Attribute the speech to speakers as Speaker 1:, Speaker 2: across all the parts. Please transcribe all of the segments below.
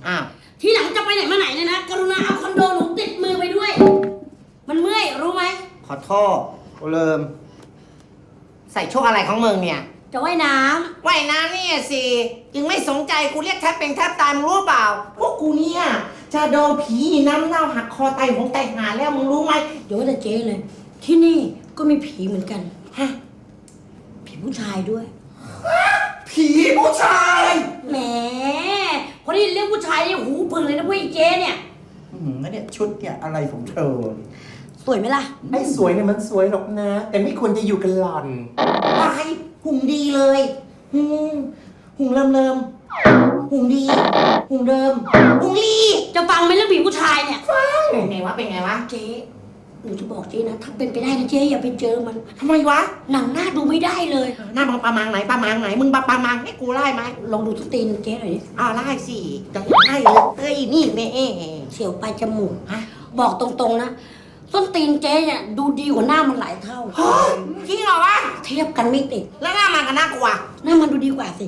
Speaker 1: อ้าว
Speaker 2: ทีหลังจะไปไหนมาไหนเนี่ยนะกรุณาเอาคอนโดหนูติดมือไปด้วย มันเมื่อยรู้ไหม
Speaker 1: ขอโทษกูลืมใส่ชุดอะไรของมึงเนี่ย
Speaker 2: จะว่ายน้
Speaker 1: ว่ายน้ำเนี่ยสิยังไม่สนใจกูเรียกแทบเป็นแทบตายมึงรู้เปล่า พวกกูเนี่ยจะโดนผีน้ำเน่าหักคอไตหงไตหาแล้วมึงรู้ไหม
Speaker 2: ำเดี๋ยวแต่เจ๊เลย ที่นี่ก็มีผีเหมือนกัน
Speaker 1: ฮะ
Speaker 2: ผีผู้ชายด้วย
Speaker 1: ผีผู้ชาย
Speaker 2: แหมพอได้ยินเรื่องผู้ชายเนี่ยหูพึ่งเลยนะพวกไอ้เจ๊เนี่ย
Speaker 3: แล้วเนี่ยชุดเนี่ยอะไรของเธอ
Speaker 2: สวยไหมล่ะ
Speaker 3: ไอ้สวยเนี่ยมันสวยหรอกนะ แต่ไม่ควรจะอยู่กับหล่อน
Speaker 1: วายหุ่งดีเลยหุ่งเริ่มหุ่งดีหุ่งเดิมหุ่งลี
Speaker 2: จะฟังไหมเรื่องผีผู้ชายเนี่ย
Speaker 1: เป็นไงวะเป็นไงวะ
Speaker 2: เจ๊หนูจะบอกเจ๊นะถ้าเป็นไปได้นะเจ๊อย่าไปเจอมัน
Speaker 1: ทำไมวะ
Speaker 2: หนังหน้าดูไม่ได้เลย
Speaker 1: หน้าประมังไหนประมังไหนมึงประมังให้กูไล่ไหม
Speaker 2: ลองดูทุกตีนเจ๊หน่อยดิ
Speaker 1: ไล่สิจะไล่เลยเอ้ยนี่แม่
Speaker 2: เสียวปลายจมูก
Speaker 1: ฮะ
Speaker 2: บอกตรงๆนะส้นตีนเจ๊เนี่ยดูดีกว่าหน้ามันหลายเท่า
Speaker 1: จริงเหรอวะ
Speaker 2: เทียบกันไม่ติด
Speaker 1: แล้วหน้ามันกับหน้ากูอะ
Speaker 2: หน้ามันดูดีกว่าสิ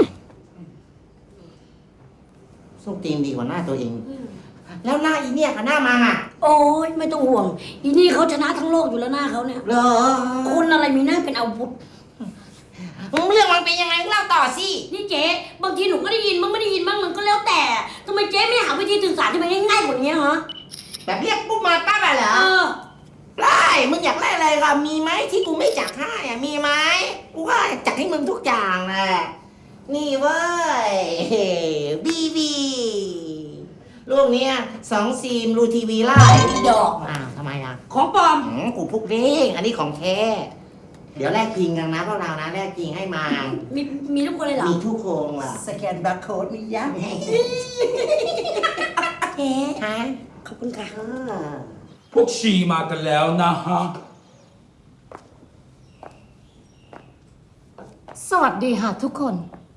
Speaker 1: ส้มตีนดีกว่าหน้าตัวเอง แล้วหน้าอีเนี่ยกับหน้ามันอะ
Speaker 2: โอ้ยไม่ต้องห่วงอีนี่เขาชนะทั้งโลกอยู่แล้วหน้าเขาเนี่ย
Speaker 1: เหรอ
Speaker 2: คนอะไรมีหน้าเป็นอาวุธ
Speaker 1: เรื่องมันเป็นยังไงเล่าต่อสิ
Speaker 2: นี่เจ๊บางทีหนูก็ได้ยินบ้างไม่ได้ยินบ้างมันก็แล้วแต่ทำไมเจ๊ไม่หาวิธีสื่อสารที่มันง่ายๆกว่านี้ฮะ
Speaker 1: แบบเรียกปุ๊บมาปั๊บอะเหรอ ไล่มึงอยากไล่อะไรล่ะมีไหมที่กูไม่จัดให้อะมีไหมกูก็จัดให้มึงทุกอย่างแหละนี่เว้ยบีลูกเนี้ย2 ซีมรูทีวีไล่
Speaker 2: ดอก
Speaker 1: ทำไมอ่ะ
Speaker 2: ของปลอม
Speaker 1: กูพุกเด้งอันนี้ของแท้เดี๋ยวแลกจริงกันนะพวกเรานะแลกจริงให้มา
Speaker 2: มีทุกคนเลยเหรอ
Speaker 1: มีทุกโครงล่ะ
Speaker 3: สแกนบาร์โค้ดนี่ยัง
Speaker 2: เจ๊
Speaker 1: ฮะ
Speaker 2: ขอบคุณค่ะ
Speaker 4: พวกชีมากันแล้วนะฮะ
Speaker 5: สวัสดีค่ะทุกคน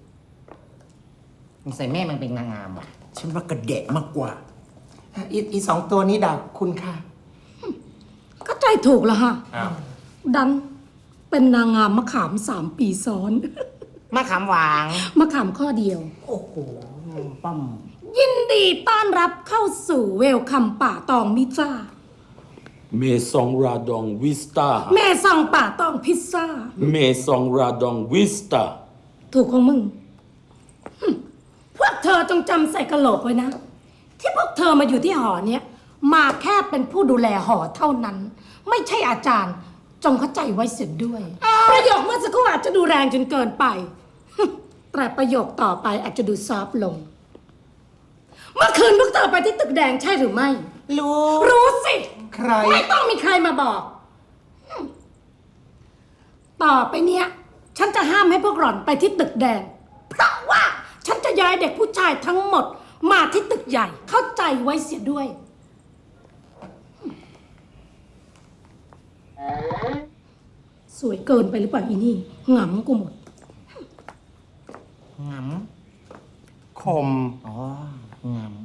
Speaker 1: มึงใส่แม่มันเป็นนางงามว่ะ
Speaker 3: ฉันว่ากระเดะมากกว่าอีสองตัวนี้ด่าคุณค่ะ
Speaker 5: ก็ใจถูกแล้วฮะดันเป็นนางงามมะขาม3 ปีซ้อน
Speaker 1: มะขามหวาง
Speaker 5: มะขามข้อเดียว
Speaker 1: โอ้โหป้อม
Speaker 5: ยินดีต้อนรับเข้าสู่เวลคัมป่าตองมิซ่า
Speaker 4: เมซองราดองวิสตา
Speaker 5: แม่สั่งป่าตองพิซซ่า
Speaker 4: เมซองราดองวิสตา
Speaker 5: ถูกของมึงพวกเธอจงจำใส่กระโหลกไว้นะ ที่พวกเธอมาอยู่ที่หอเนี้ยมาแค่เป็นผู้ดูแลหอเท่านั้น ไม่ใช่อาจารย์ จงเข้าใจไว้เสียด้วย ประโยคเมื่อสักครู่อาจจะดูแรงจนเกินไป แต่ประโยคต่อไปอาจจะดูซอฟต์ลง เมื่อคืนพวกเธอไปที่ตึกแดงใช่หรือไม่ รู้สิ
Speaker 3: ใคร
Speaker 5: ไม่ต้องมีใครมาบอก ต่อไปเนี้ย ฉันจะห้ามให้พวกหล่อนไปที่ตึกแดง เพราะว่าฉันจะย้ายเด็กผู้ชายทั้งหมด มาที่ตึกใหญ่ เข้าใจไว้เสียด้วย สวยเกินไปหรือเปล่าอีนี่หงำกูหมด
Speaker 1: งาม
Speaker 3: คม
Speaker 1: อ๋องาม